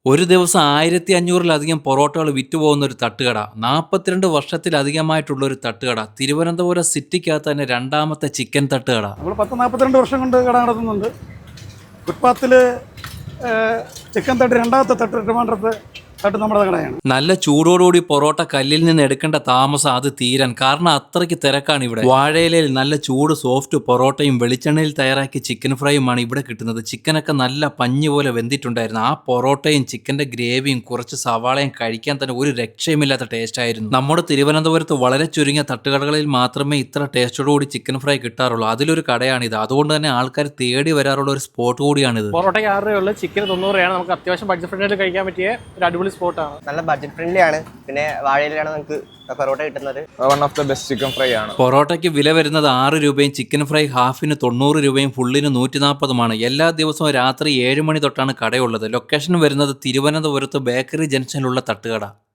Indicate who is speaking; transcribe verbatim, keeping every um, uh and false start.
Speaker 1: ഒരു ദിവസം ആയിരത്തി അഞ്ഞൂറിലധികം പൊറോട്ടകൾ വിറ്റുപോകുന്ന ഒരു തട്ടുകട, നാൽപ്പത്തിരണ്ട് വർഷത്തിലധികമായിട്ടുള്ള ഒരു തട്ടുകട, തിരുവനന്തപുരം സിറ്റിക്കകത്ത് തന്നെ രണ്ടാമത്തെ ചിക്കൻ തട്ടുകട.
Speaker 2: നമ്മൾ പത്ത് നാൽപ്പത്തിരണ്ട് വർഷം കൊണ്ട് കട നടത്തുന്നുണ്ട്. ഫുട്പാത്തിൽ ചിക്കൻ തട്ട് രണ്ടാമത്തെ തട്ട് ട്രിവാൻഡ്രത്ത് തട്ട് നമ്മുടെ കടയാണ്.
Speaker 1: നല്ല ചൂടോടുകൂടി പൊറോട്ട കല്ലിൽ നിന്ന് എടുക്കേണ്ട താമസം അത് തീരാൻ, കാരണം അത്രയ്ക്ക് തിരക്കാണ് ഇവിടെ. വാഴയിലയിൽ നല്ല ചൂട് സോഫ്റ്റ് പൊറോട്ടയും വെളിച്ചെണ്ണയിൽ തയ്യാറാക്കിയ ചിക്കൻ ഫ്രൈയുമാണ് ഇവിടെ കിട്ടുന്നത്. ചിക്കനൊക്കെ നല്ല പഞ്ഞി പോലെ വെന്തിട്ടുണ്ടായിരുന്നു. ആ പൊറോട്ടയും ചിക്കന്റെ ഗ്രേവിയും കുറച്ച് സവാളയും കഴിക്കാൻ തന്നെ ഒരു രക്ഷയുമില്ലാത്ത ടേസ്റ്റ് ആയിരുന്നു. നമ്മുടെ തിരുവനന്തപുരത്ത് വളരെ ചുരുങ്ങിയ തട്ടുകടകളിൽ മാത്രമേ ഇത്ര ടേസ്റ്റോടുകൂടി ചിക്കൻ ഫ്രൈ കിട്ടാറുള്ളൂ. അതിലൊരു കടയാണിത്. അതുകൊണ്ട് തന്നെ ആൾക്കാർ തേടി വരാറുള്ള ഒരു സ്പോട്ട് കൂടിയാണിത്.
Speaker 3: പൊറോട്ടയ്ക്ക് ആറ് രൂപയുള്ളൂ, ചിക്കൻ തൊണ്ണൂറ് രൂപയാണ്. നമുക്ക് അത്യാവശ്യം ബഡ്ജറ്റ് ഫ്രണ്ട്ലി കഴിക്കാൻ പറ്റിയ ഒരു അടിപൊളി സ്പോട്ടാണ്.
Speaker 4: നല്ല ബഡ്ജറ്റ് ഫ്രണ്ട്ലി ആണ്. പിന്നെ വാഴയിലാണ് നമുക്ക് പൊറോട്ട കിട്ടുന്നത്.
Speaker 5: One of the best chicken fry ആണ്.
Speaker 1: പൊറോട്ടയ്ക്ക് വില വരുന്നത് ആറ് രൂപയും ചിക്കൻ ഫ്രൈ ഹാഫിന് തൊണ്ണൂറ് രൂപയും ഫുള്ളിന് നൂറ്റി നാൽപ്പതുമാണ്. എല്ലാ ദിവസവും രാത്രി ഏഴ് മണി തൊട്ടാണ് കടയുള്ളത്. ലൊക്കേഷൻ വരുന്നത് തിരുവനന്തപുരത്ത് ബേക്കറി ജംഗ്ഷനിലുള്ള തട്ടുകട.